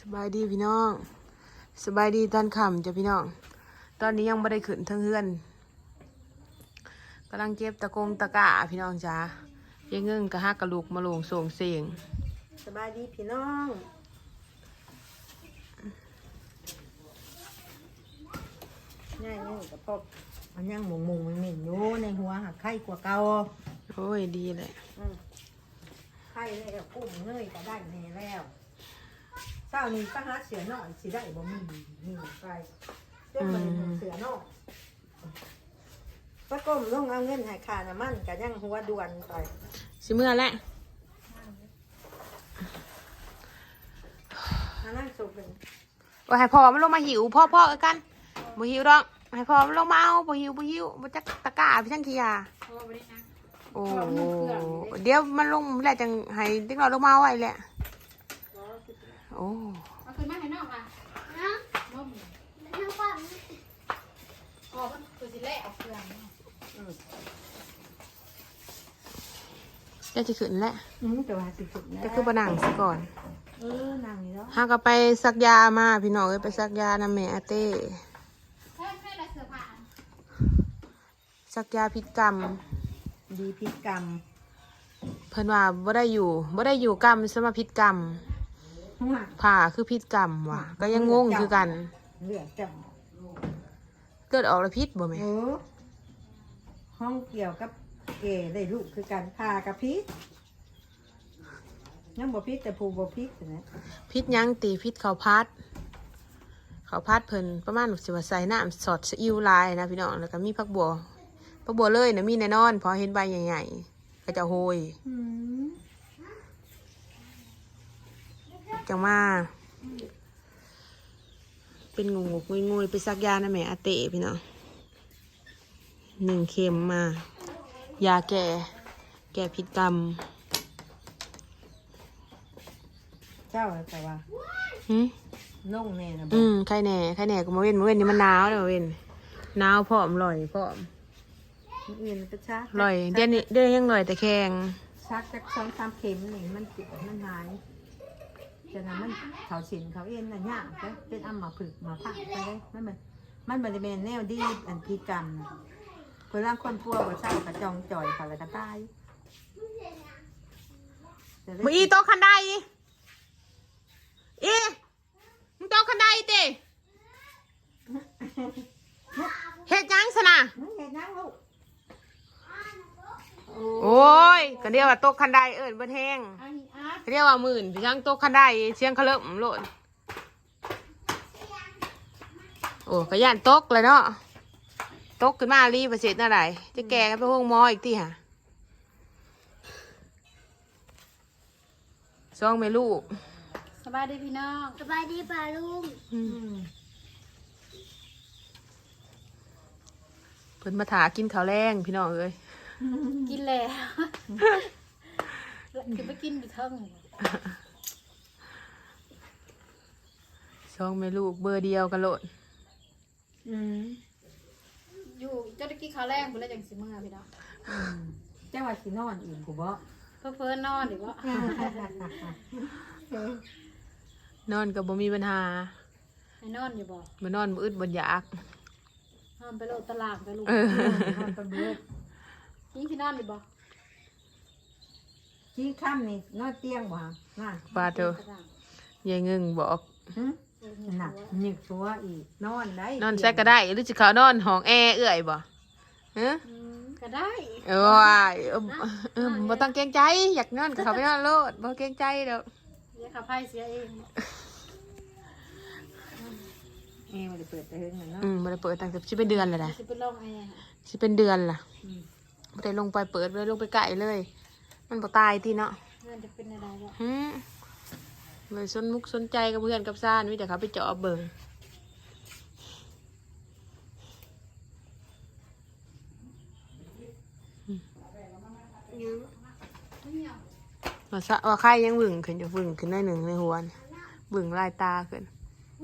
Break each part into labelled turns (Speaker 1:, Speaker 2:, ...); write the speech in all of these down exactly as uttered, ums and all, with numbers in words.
Speaker 1: สบายดีพี่น้องสบายดีตอนค่ำจ้ะพี่น้องตอนนี้ยังไม่ได้ขึ้นทั้งเฮือนกำลังเก็บตะกงตะกร้าพี่น้องจ้าเยังเงิ่งกระฮักกระลูกมาลงส่งเสียง
Speaker 2: สบายดีพี่น้องง่ายนี่กับพ่อมันยังหมุงมุงมันเหม็นอยู่ในหัวหักไข่กว่าเก่า
Speaker 1: โอ้ยดีเลย
Speaker 2: อืมไข่แล้วกุ้งเนยก็ได้แน่แล้วเช้านี้ก็หาเสือหน่อยสิได้บ่มีมีไปเจ้ามันเสือหน่อยป้าก้มลงเอาเงินให้ค่าน้ำมันก็ยังหัวด่วนไป
Speaker 1: สิเมื่อแหละ
Speaker 2: มานั่งสุกเลย
Speaker 1: ว่าให้พ่อมันลงมาหิวพ่อพ่อกันบ่หิวดอกให้พ่อมันลงมาเอาบ่หิวบ่หิวบ่จักตะกร้าพี่ช่างขี้ยาโอ้เดี๋ยวมันลงแล้วจังให้เด็กน้อยลงมาเอาไว้แหละโอ้
Speaker 3: เอาขึ้นมาให้น้องอ่ะนะนมน้ำปั่นอ๋อมันตัวสิเละเอาเครื่อง
Speaker 1: จะจะขึ้นแหละ
Speaker 2: อืมแต่ว่าสิสุกนะ
Speaker 1: จะคือบะหนังซะก่อน
Speaker 2: เออนั่งนี่แล้ว
Speaker 1: หาก็ไปซักยามาพี่น้องเอ้ยไปซักยานำแม่อาเต้
Speaker 3: ใช่ใช่ละเสือผ่าน
Speaker 1: ซักยาพิษกรรม
Speaker 2: ดีพิษกรรม
Speaker 1: เพิ่นว่าบ่ได้อยู่บ่ได้อยู่กรรมสมาพิษกรรม
Speaker 2: หัว
Speaker 1: ผ่าคือพิษกรรมว่ะก็ยังงงคือกัน
Speaker 2: เลือดจับ
Speaker 1: เกิดออกแล้วพิษบ่แม่
Speaker 2: เออห้องเกี่ยวกับเอได้ลูกคือการพากับพิษยังบ่พิษแต่ผูบ่พิษนะ
Speaker 1: พิษหยังตีพิษข้าวพัดข้าวพัดเพิ่นประมาณสิว่าใส่น้ำสอดซีอิ๊วลายนะพี่น้องแล้วก็มีผักบัวผักบัวเลยนะมีแน่นอนพอเห็นใบใหญ่ๆก็จะโหย
Speaker 2: อืม
Speaker 1: จังมาเป็นงูงูงุยๆไปซักยานะแม่อาเต้พี่น้องหนึ่งเข็มมา ยาแก่แก่พิษกรรม
Speaker 2: เจ้าแต่ว่า
Speaker 1: หืม
Speaker 2: ลงแน่นะบ่
Speaker 1: อืมใครแหน่ใครแหน่ก็มาเว้นมาเว้นนี่มันหนาวเลยมาเว้นหนาวพร้อมลอยพร้อม
Speaker 2: อื่นไปชัก
Speaker 1: ลอยเดี๋ยวนี้เดี๋ยวยังลอยแต่แข็ง
Speaker 2: ชักจากสองสามเข็มนี่มันติดมันหายฉะนั้นมันเขาฉินเขาเอ็นน่ะยากเลยเป็นอัมมาผึกมาพักไปเลยมันมันมันบริเวณแนวดีอันพิษกรรมเพื่อร่างคนพัวว่าเศร้ากระจองจ่อยเขาเลยก็ตาย
Speaker 1: มึงอีโต๊ะคันไดอีมึงโต๊ะคันไดเต้เฮ็ดยังสนะ
Speaker 2: มึงเห็นยังลูก
Speaker 1: โอ้ยก็เรียกว่าโต๊ะคันไดเอิญเบิ้แห้ง
Speaker 3: อันนี้อาร์ต
Speaker 1: เรียกว่าหมื่นพี่ช่างโต๊ะคันไดเชียงเขาเริ่มโลดโอ้ก็ย่านโต๊ะเลยเนาะโต๊ะขึ้นมารีประเสริฐอะไรจะแก่กันไปห้องหมออีกที่ฮะซองไม่ลูก
Speaker 3: สบายดีพี่น้องสบายดีป่าลุง
Speaker 1: อืมเพิ่นมาถากินข้าวแรงพี่น้องเอ้ย
Speaker 3: กินแล้วคือไปกินอยู่เทิง
Speaker 1: ซองไม่ลูกเบอร์เดียวกันโลด
Speaker 2: อืม
Speaker 3: อยู่เจ้าตะกี้เขาวแรงบุแล้วจังสิเมื่อพี่น้อง
Speaker 2: อืมเจ้าว่าสินอนอีกกูบ่
Speaker 3: เพื่อเพื่อนนอนหรือว่าน
Speaker 1: อนกับบ่มีปัญหา
Speaker 3: ให้นอนอยู่บ่
Speaker 1: มานอนบ่อึดบ่อยาก
Speaker 3: นอนไปโลดตลาดไปลูก
Speaker 1: เออ
Speaker 2: นอนตะเบิด
Speaker 3: ยิ่งที่นอนอยู่บ่
Speaker 2: จี้ค่ำนี่นอนเตียงบ่ฮะน่ะ
Speaker 1: ปาเถอะยายเงิงบอก
Speaker 2: หึหนักหนึกตัวอีกนอนได้
Speaker 1: นอนแซกก็ได้หรือสิเขานอนห้องแอร์เอื้อยบ่ฮะ
Speaker 3: อืมก็ได้
Speaker 1: เออว่าเออเออบ่ต้องเกรงใจอยากนอนก็เขาไปนอนโลดบ่เกรงใจดอก
Speaker 3: เดี๋ยวขับไพ่เสียเอง
Speaker 2: เอวได้เปิดแต่เฮิงน่ะเนาะ
Speaker 1: อืมบ่ได้เปิดตั้งแต่สิเป็นเดือนแล้วนะ
Speaker 3: สิเป็นลองไอ้
Speaker 1: สิเป็นเดือนล่ะ
Speaker 2: อืม
Speaker 1: บ่ได้ลงไปเปิดบ่ได้ลงไปไกลเลย มันบ่ตายติเนาะ
Speaker 3: เงินจะเป็นอะไรบ่
Speaker 1: หืมไม่สนมุกสนใจกับเพื่อนกับซ่านมีแต่เขาไปเจาะเบิ่ง ว่าซะว่าไข่ยังบึ่งขึ้นจะบึ่งขึ้นได้หนึ่งในหัวนี่บึ่งลายตาขึ้น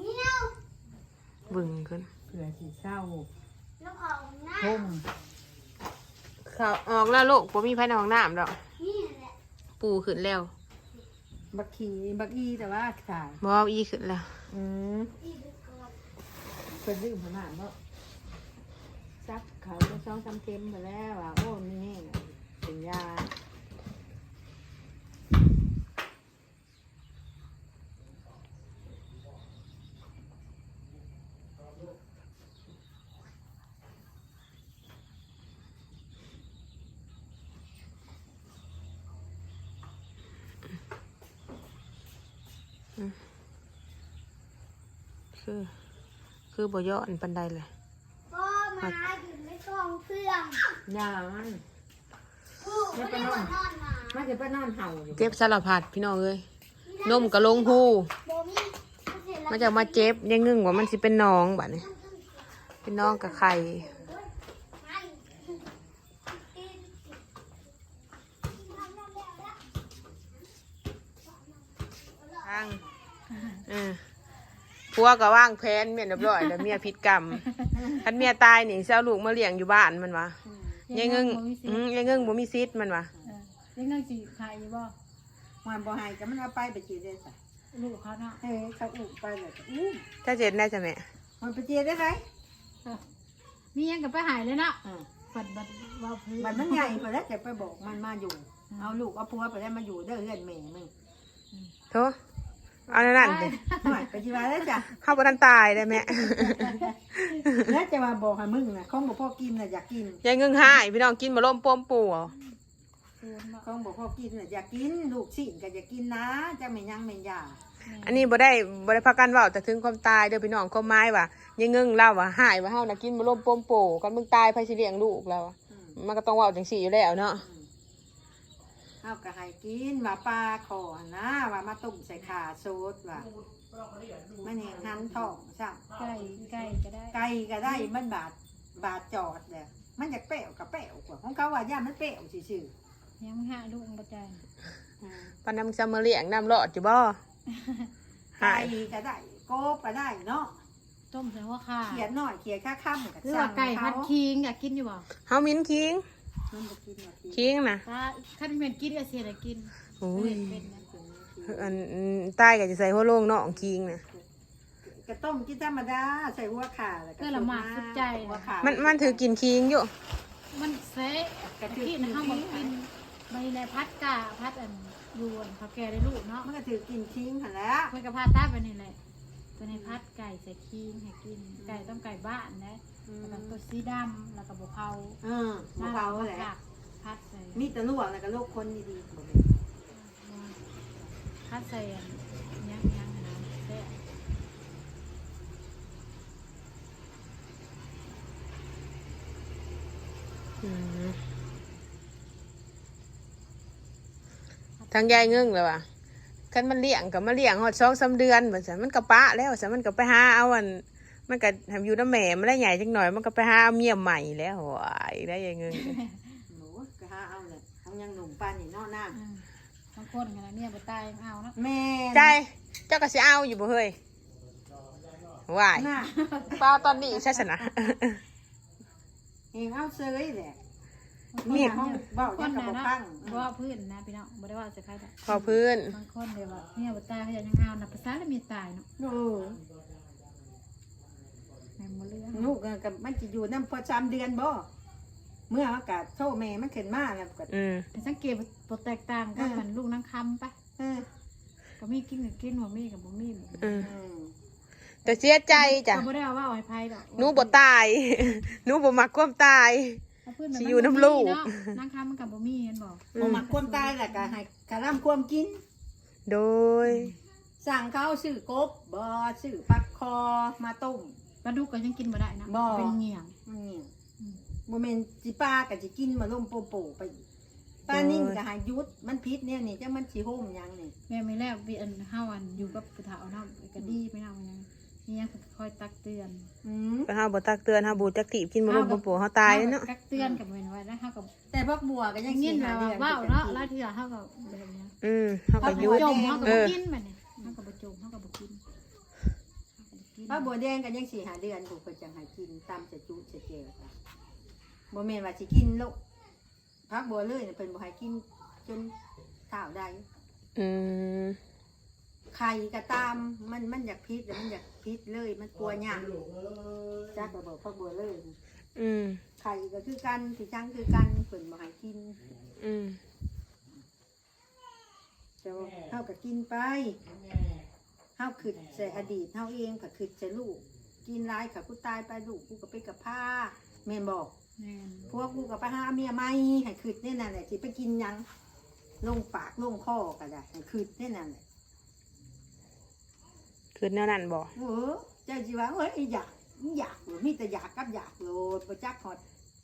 Speaker 1: บึ่งขึ้น
Speaker 2: เผื่อสิเศร้าห่ม
Speaker 1: เขาออกแล้วโลกผมมีภายในห้องน้ำดอกปูขึ้นแล้ว
Speaker 2: มบักขี่บักอีแต่ว่าถ่าย
Speaker 1: บ่เอาอีขึ้นแล้ว
Speaker 2: อืมเป็นลืมขนาดเนาะซักเขาไปช่องทำเค็มไปแล้วอ่ะโอ้นี่เป็นยา
Speaker 1: คือคือบ่ย้อนปานใดเลย
Speaker 4: ก็มาอยู่ในกองเครื่อง
Speaker 2: ยามัน
Speaker 4: ผู้ไม่ได้นอนนอนมา
Speaker 2: มันจะไปนอนเห่าอยู่
Speaker 1: เจ็บสารพัดพี่น้องเอ้ยนมก็ลงหู
Speaker 4: โบมี่
Speaker 1: มันจะมาเจ็บยังงึ่งว่ามันสิเป็นน้องบัดนี้เป็นน้องกับไข่ทางเออผัวก็ว่างแผนเมียเรียบร้อยแล้วเมียผิดกรรมคันเมียตายนี่สิเอาลูกมาเลี้ยงอยู่บ้านมันวะยังงึ่งอืมยังงึ่งบ่มีสิทธิ์มันวะ
Speaker 3: ยังเงินสิขายอยู่บ่
Speaker 2: มันบ่หายก็มันเอาไปไปจีได้สิ
Speaker 3: ลูกเขาเนาะ
Speaker 2: เฮ้ยเขาอุ้มไปเลยก็อุ้ม
Speaker 1: ถ้าเจ็ดได้จ้ะแม่
Speaker 2: มันไปจีได้ไหม
Speaker 3: มียังกับไปหายเลยเนาะ
Speaker 2: อ่า
Speaker 3: บัดบัดว่าพื้น
Speaker 2: มันมันใหญ่พอแล้วจะไปบอกมันมาอยู่ เอาลูกเอาผัวไปแล้วมาอยู่เด้อเฮือนแม่มึง
Speaker 1: โธ่เอานั่นนั่นสิ
Speaker 2: หน่อยไปจีว่าแล้วจ้ะ
Speaker 1: เข้าบ่ทันตายได้แม่
Speaker 2: แล้วจะมาบอกให้มึงนะของบอกพ่อกินน่ะอยากกิน
Speaker 1: ยังงึ่งหายพี่น้องกินมาล่มป้มปูเอา
Speaker 3: พื้นบ่
Speaker 2: ของบอกพ่อกินน่ะอยากกินลูกสิ่งก็อยากกินนะจะไม่ยังไม่ยา
Speaker 1: อันนี้บ่ได้บ่ได้พักกันเว้าแต่ถึงความตายเด้อพี่น้องความหมายว่ายังงึ่งเล่าว่าหายว่าเฮาน่ะกินมาล่มป้มปูกันมึงตายไผสิเลี้ยงลูกแล้วอะ
Speaker 2: อืม
Speaker 1: มันก็ต้องเว้าจังซี่อยู่แล้วเนาะ
Speaker 2: เอาก็ให้กินว่าปลาขอนะว่ามาต้มใส่ขาโซดว่ามันเห็นหันท้องใช่
Speaker 3: ไก่ไก่ก็ได้
Speaker 2: ไก่ก็ได้มันบาดบาดจอดเลยมันอยากเปรี้ยวกับเปรี้ยวกว่าของเขาว่าย่ามันเปรี้ยวซื่อ
Speaker 3: ยังหาลูกบ่ใจ
Speaker 2: ๆอืม
Speaker 1: ปานนั้นมึงจะมาเลี้ยงน้ำรอดอยู่บ่
Speaker 2: ไก่ก็ได้โกบก็ได้เนาะ
Speaker 3: ต้มใส่หัวข่า
Speaker 2: เขียนหน่อยเขียนค่าค่ำกับ
Speaker 3: หรือว่าไก่พัดคิงอยากกินอยู่บ่
Speaker 1: เฮามิ้นคิง
Speaker 2: มันบ่กินว่ากิน
Speaker 1: คิงน่ะ
Speaker 3: ถ้าคันเป็นกินก็เสียได้กิน
Speaker 1: โอ้ย
Speaker 3: เป็นนะ
Speaker 1: อันตายก็จะใส่หัวโลงเนาะคิงน่ะ
Speaker 2: กระต้มกินธรรมดาใส่หัวขาแล้วก็
Speaker 3: ก็ละหมาดสุดใจ
Speaker 2: หัวขา
Speaker 1: มันมันถือกินคิงอยู่
Speaker 3: มันเสะกะทินะเฮาบ่กินใบในพัดกาพัดอันยวนเขาแก่ได้ลูกเนาะ
Speaker 2: มันก็ถือกินทิ้งหันแล้ว
Speaker 3: เพิ่นก็พาตาไปนี่แหละตัวในพัดไก่ใส่คิงให้กินไก่ต้องไก่บ้านนะแล้วก็ตัวสีดำแล้วก็บ่เผา
Speaker 2: เออมะพร้าวแหละ
Speaker 3: พัดใส่
Speaker 2: มีแต่ลวกแล้วก็ลูกคนดีๆบ่แม่น
Speaker 3: พัดใส่อันยังยังนะแซ่บ
Speaker 1: อืมทางยายเงึ่งเลยว่ะคันมันเลี้ยงกับมาเลี้ยงหอดสองสามเดือนแบบนั้นมันก็ปะแล้วแต่มันก็ไปหาเอาอันมันก็ทำอยู่น้ำแม่มันได้ใหญ่จังหน่อยมันก็ไปหาเอาเมียใหม่แล้วโว้ยได้ยายเงึ่ง
Speaker 2: หนูก็หาเอาเลยทั้งยังหนุ่มปานนี่เนอกหน้า
Speaker 3: อืมบางคนกันนะเนี่ยบ่ตายยังเอาเนาะ
Speaker 2: แม่น
Speaker 1: ใจเจ้าก็สิเอาอยู่บ่เฮ้ยว้าย
Speaker 2: หน้า
Speaker 1: เปล่าตอนนี้ใช่ชนะ
Speaker 2: เองเอาเซยแหละ
Speaker 1: เมีย
Speaker 2: ห้องเบ้า
Speaker 3: ค
Speaker 2: ยั
Speaker 3: น
Speaker 2: งกับ
Speaker 3: นะ
Speaker 2: บ่
Speaker 3: เนาะ
Speaker 2: พัง
Speaker 3: บ่ว่าพื้นนะพี่น้องบ่ได้ว่าจะใครแต่
Speaker 1: พอพื้น
Speaker 3: บางคนเดี๋ยวว่าเนี่ยบ่ตายเขาจะยังเอานะภาษาแล้วมีตายเนาะ
Speaker 2: โอ้
Speaker 3: แม่นบ่เรื่อง
Speaker 2: ลูกก็กับมันจะอยู่น้ำพอสามเดือนบ่เมื่ออากาศโทแม่มันขึ้นมาแล้วก็
Speaker 1: อืม
Speaker 3: แต่สังเกตบ่แตกต่างกันมันลูกนางคำปะ
Speaker 2: เออ
Speaker 3: ก็มีกินก็กินบ่มีก็บ่มี
Speaker 1: อืม
Speaker 2: อืม
Speaker 1: แต่เสียใจจ้ะ
Speaker 3: ก็บ่ได้ว่าเอาให้ไผดอก
Speaker 1: หนูบ่ตาย หนูบ่มักความตาย
Speaker 3: เอาพื้นมั
Speaker 1: สิอยู่น้ำลูก
Speaker 3: เนาะนางคำมันก็บ่มีเห็นบ่
Speaker 2: บ่มักความตายแหละก็ให้กะล่ำความกิน
Speaker 1: โดย
Speaker 2: สั่งเขาซื้อกบบ่ซื้อปักคอมาต้ม
Speaker 3: ปลาดุกก็ยังกินบ่ได้นะ
Speaker 2: บ่
Speaker 3: เป็นเหงี่ยง
Speaker 2: มันเนี่ย
Speaker 3: อืม
Speaker 2: บ่แม่นสิปลาก็สิกินมาล่มโปโปไปอีกปลานิ่งก็หายุดมันพิษเนี่ยนี่จังมันสิโหมหยังนี่
Speaker 3: แม่ไม่แล้วพี่อันเฮาอันอยู่กับผู้เฒ่าเนาะก็ดีไปเนาะยังนี่ยังคอยตักเตือน
Speaker 2: อืม
Speaker 1: เฮาบ่ตักเตือนเฮาบ่จักถีบกินบ่ลงบ่โปเฮาตายเนาะ
Speaker 3: ตักเตือนกับเว้นไว้แล้วเฮาก็
Speaker 2: แต่พวกบัวก็ยั
Speaker 3: ยัง ง
Speaker 2: สิ
Speaker 3: ยิน
Speaker 2: หา
Speaker 3: ว่า
Speaker 2: เดือน
Speaker 3: ว้าวเนาะแล้วเถื่อเฮาก็แบบนี้
Speaker 1: อืมเฮาก็หยุด
Speaker 3: จมเฮาก็
Speaker 1: เอ
Speaker 3: บ่
Speaker 1: อ
Speaker 3: กินบัดนี้เฮาก็บ่จมเฮาก็บ่กิน
Speaker 2: ป้าบัวแดงก็ยังสิหาเดือนผู้เพิ่นจังให้กินตามจะจุจะเจวจ้ะบ่แม่นว่าสิกินโลกพักบัวเลยน่ะเพิ่นบ่ให้กินจนเท่าใด
Speaker 1: ออืม
Speaker 2: ไข่ก็ตามมันมันอยากพิษแต่มันอยากพิษเลยมันกลัวหยางจักก็บอกพ่อบัวเลย
Speaker 1: อืม
Speaker 2: ไข่ก็คือกันสีจังคือกันเพิ่นบ่ให้กิน
Speaker 1: อืม
Speaker 2: แต่ว่าเฮาก็กินไปเฮาคิดใส่อดีตเฮาเองก็คิดใส่ลูกกินหลายก็กูตายไปลูกกูก็ไปกับผ้าแม่นบอก
Speaker 3: แม่น
Speaker 2: พวกกูก็ไปหาเมียใหม่ให้คิดแน่นั่นแหละสิไปกินหยังลงปากลงคอก็ได้ให้คิดแน่นั่นแหละ
Speaker 1: คือแนวนั้นบ่
Speaker 2: เออเจ้าจีว่าเฮ้ยอยากอยากหรือมีแต่อยากกับอยากโลดประจักฮอด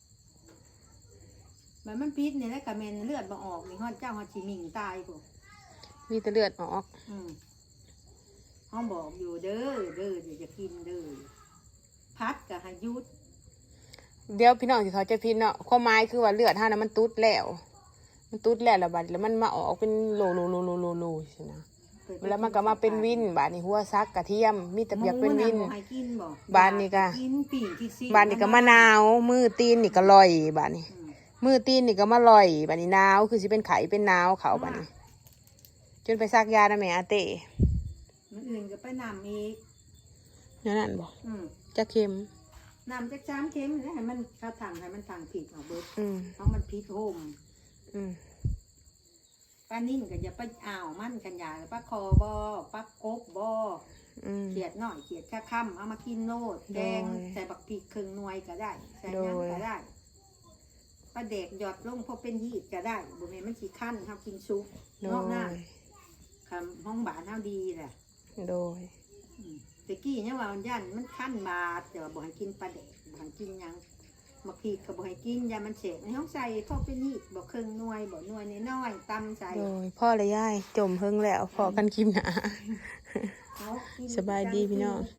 Speaker 2: แบบมันพิษเนี่ยแล้วก็แม่นเลือดบ่ออกนี่ฮอดเจ้าฮอดสิมิ่งตายพุ่น
Speaker 1: มีแต่เลือดออก
Speaker 2: อืมห้องบอกอยู่เด้อเด้อเดี๋ยวจะกินเด้อพัดกับหายุด
Speaker 1: เดี๋ยวพี่น้องสิเขาใจะพินเนาะความหมายคือว่าเลือดเฮานะมันตุดแล้ว มันตุดแล้วแล้วบัดแล้วมันมาออกเป็นโลโลโลโลโลโลใช่นะแล้วมันก็มาเป็นวินบาดนี้หัวซักกระเทียมมีแต่เปียกเป็นวิน
Speaker 2: หมูะบ่ให้กินบ่
Speaker 1: บ้านนี่ก็
Speaker 2: กินปิ่งกินซี
Speaker 1: บาดนี้ก็มะนาวมือตีนนี่ก็ลอยบาดนี้
Speaker 2: อืม
Speaker 1: มือตีนนี่ก็มาลอยบาดนี้หนาวคือสิเป็นไข้เป็นหนาวเขาบาดนี้ จนไปซักยานะแม่อาเต้
Speaker 2: มันอื่นก็ไปนำอีก
Speaker 1: นั่นนั่นบ่
Speaker 2: อืม
Speaker 1: จะเค็ม
Speaker 2: นำจากจามเค็มแล้วให้มันเข้าทางให้มันทางผิดเอาเบิด
Speaker 1: อืม
Speaker 2: เพราะมันพิษโฮม
Speaker 1: อืม
Speaker 2: ป้านิ่นก็อย่าไปอ้าวมันกันอย่าป้าคอบ่ป้ากบบ่
Speaker 1: อืม
Speaker 2: เขียดหน่อยเขียดข้าค่ำเอามากินโนดแกง
Speaker 1: โดย
Speaker 2: ใส่บักพริกครึ่งหน่วยก็ได้ใส่
Speaker 1: โด
Speaker 2: ยัง
Speaker 1: ย
Speaker 2: ก็ได้ปลาเด็กหยอดลงพอเป็นยีดก็ได้บุเมนมันสีขั้นเขากินซุป
Speaker 1: โด
Speaker 2: นอกหน้าย คำห้องบานเท่าดีแหละ
Speaker 1: โดย
Speaker 2: อืมแตะกี้เนี่ยว่ามันยันมันขั้นบาดแต่ว่าบ่ให้กินปลาเด็กบ่ให้กินหยังบักพริกก็บ่ให้กินยามันเสพในห้องใส่พอเป็นยีดบ่ครึ่งหน่วยบ่หน่วยน้อยๆตำใส่
Speaker 1: โดยพ่อและยายจมเฮิงแล้วพอกันคลิปหนา
Speaker 2: เอากิน
Speaker 1: สบายดีพี่น้อง